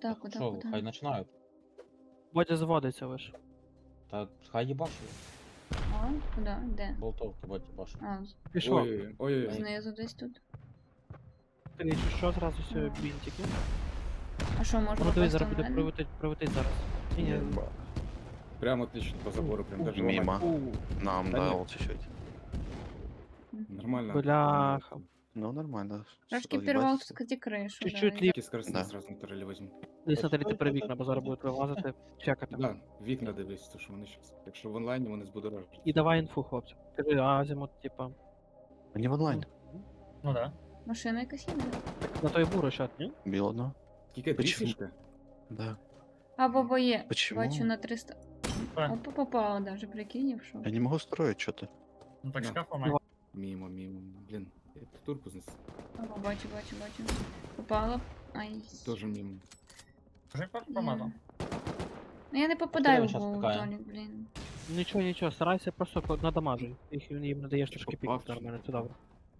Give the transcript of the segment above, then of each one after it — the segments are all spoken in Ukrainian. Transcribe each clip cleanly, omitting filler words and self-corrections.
Куда, куда, Що, куда? хай починають. Бодя зводиться лиш. Та хай їбашить. А, куда? Де? Болтовки, бать, їбашить. А, Пішов. Ой. знизу десь тут. Ти якщо що, зразу все бінтики. А що, можна Ну дивись, попасти зараз в буде мене? прилетить зараз. Ні, Прям отлично по забору, прям даже Мимо. ломать. Нам Да дал нет. чуть-чуть. Нормально. Бляха. Ну, нормально. Трошки Что, пірвав, ебать? так сказати, кришу. Чуть-чуть да. ліп. Такі скоростні Да. сразу на турелі возьму. Десь на третій при вікна, бо зараз будуть вилазити, чекати. Да, вікна дивись, то що вони щас. Якщо в онлайні вони збудоражать. І давай інфу, хлопці. Кажи, азимут, типа. Они в онлайн. Ну да. Машина якась їде. На той буру щас, ні? Бил одно. Тільки Почему? трішечки. Да. А баба є. Почему? Бачу на 300. А. Опа, попала даже, прикинь, в що. Я не могу строить что-то. Ну так Да. шкаф ламай. Мімо. Блін, я турку знес. О, бачу. Попала. Ай. Тоже мімо. Вже помазав. Ну я не попадаю в щас голову, така, Толік, блін. Нічого, старайся просто надамажуй. Їм надаєш трошки Попав, піків чи нормально, це добре.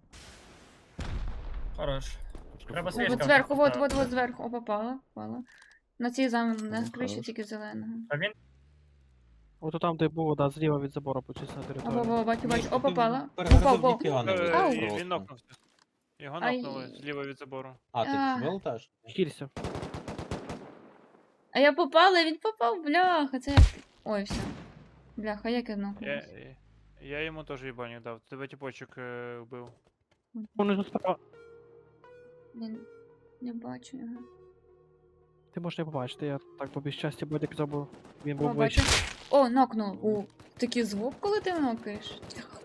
Хорош. Треба О, свічка. от зверху, поставити. вот зверху. О, попала. На цій на Ну, криші хорош. тільки зеленого. А він Ото там, де було, да, зліва від забору почись на О, територію. бачу. О, попала. Перегрузив Попав. ніфіга не вийде Ау. просто. Він нокнувся. Його Ай. нокнули зліва від забору. А, ти А. вилетаєш? Хілься. А я попала, він попав, бляха, це як... Ой, все. Бляха, як я нокнулась. Я йому теж їбаню дав. Тебе тіпочок вбив. Вони тут справа. Блін, не бачу його. Ти можеш не побачити, я так по безчасті Бодя казав, бо він О, був бачу. вищий. О, нокнув. О, такий звук, коли ти нокаєш.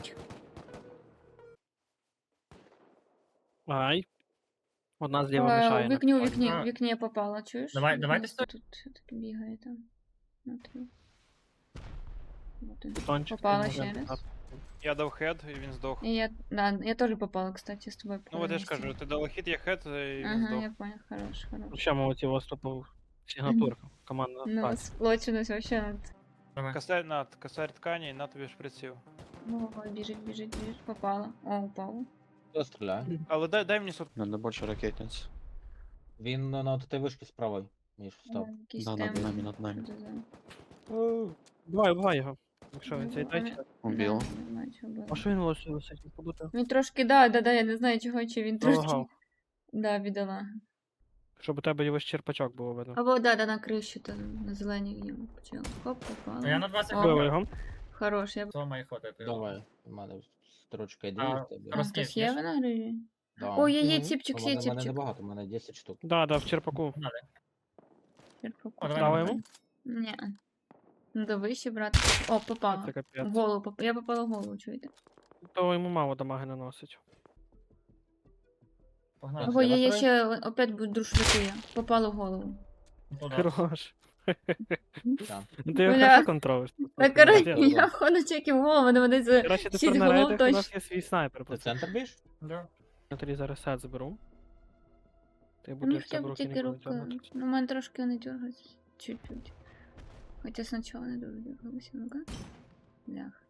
Ай. Одна зліва мішає. У на вікні, у підході. вікні, А. у вікні я попала, чуєш? Давайте Хтось тут все-таки бігає там. Внутрі. Вот він. Бетончик, Попала ти ще можеш раз. дати. Я дав хед, і він здох. І я теж попала, кстати, з тобою. Ну от я ж вместе. кажу, ти дала хід, я хед, і він Ага, здох. я понял, хорош. Ще молодці, у вас тут сигнатурка. Команда. Ну, Так. сплоченість вообще над... Давай. Косарь ткані, на тобі шприців. Ну, ой, біжить. Попала. О, упала. Хто стріляє? Але дай мені сот. Надо больше ракетниц. Він на тій вишці з правої. Міш, встав. Якийсь Да, темп. над нами. Що це за- Бувай його. Якщо він цей тайчик. Убил. Да, не знаю, чого було. А що він лише висить? Побути? Він трошки, да, я не знаю чого, чи він трошки. Залагав. Да, бідола. Щоб у тебе його черпачок було видно. Або да, на крищу, то на зеленій йому почав. Хоп, попала. Ну я на 20 О, Вбив хвилин. його. Хорош, я... Це має хватити. Давай. У мене строчка йде. А, в тебе. А, Роз- хтось є Розкішніш. вона гриві? Да. О, є Мгм. тіпчик, У є мене тіпчик. небагато, у мене 10 штук. Да, в черпаку. О, давай Дали на йому? Ні. Ну, вище, брат. О, попала. Це В капець. голову, я попала в голову, чуєте? То йому мало дамаги наносить. Погнали. Ого, я настрою? ще опять буду друшляку я. Попала в голову. Туди. Хорош. Так. Ти його Бля. хорошо контролиш. Так, коротше, я входу чеків в голову, мене це... Коротше, шість тепер на голов рейдах у нас точно. є свій снайпер. Ти просто. центр біж? Да. Я тобі зараз сет заберу. Ти Ну, будеш хоча там б руки тільки ніколи рука. тягнути. Ну, у мене трошки вони дергаються. Чуть-чуть. Хоча спочатку не дуже дергалися, ну-ка. Блях.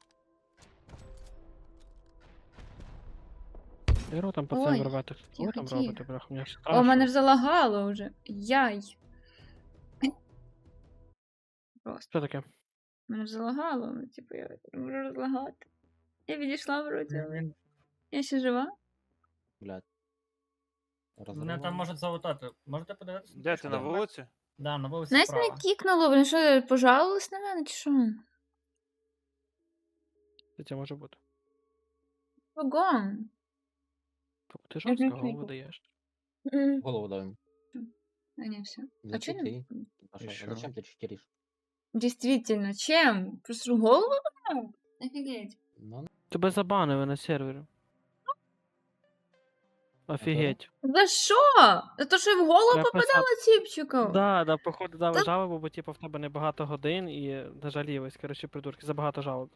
Дерево там Ой, пацан рвати. Що ви тихо, там тихо. робите, бляха? Мені ж О, мене ж страшно. залагало вже. Яй. Просто. Що таке? Мене ж залагало, ну, типу, я не можу розлагати. Я відійшла вроді, але я ще жива. Блядь. Мене там можуть залутати. Можете подивитися? Де ти на вулиці? Да, на вулиці Знаєш, справа. мене кікнуло, блін, що, пожалувалась на мене, чи що? Це може бути. Вагон. Ти жорстко Мгм. голову даєш. Голову дав йому. А не, все. А Зачем чого не? ти? Паша, Еще. зачем ты читеришь? Действительно, чем? Просто в голову дал? Офигеть. Ну, Тебе забанили на сервері. Офігеть. За що? За те, що я в голову Я попадала тіпчиком? Да, походу дали Та- жалобу, бо типу в тебе небагато годин і нажалілись, коротше, придурки, забагато жалоб.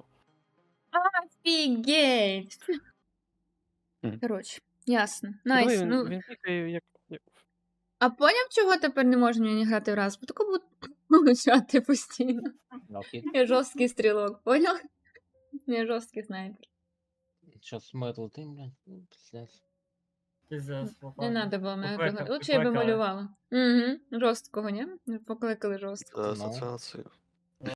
Офігеть. Мгм. Коротше, ясно. Найс. Диви, Ну, він тільки як. а поняв, чого тепер не можна мені грати в раз? Бо тако буду получати постійно. на хит. Я жорсткий стрілок, поняв? Я жорсткий снайпер. Сейчас мы отлетим, блядь. Ну, пиздец. Піздець, Не треба було мене Покликав- приглашати. Лучше я би покликали. малювала. Угу. Жорсткого, ні? Покликали жорстко. За Ну. асоціацію.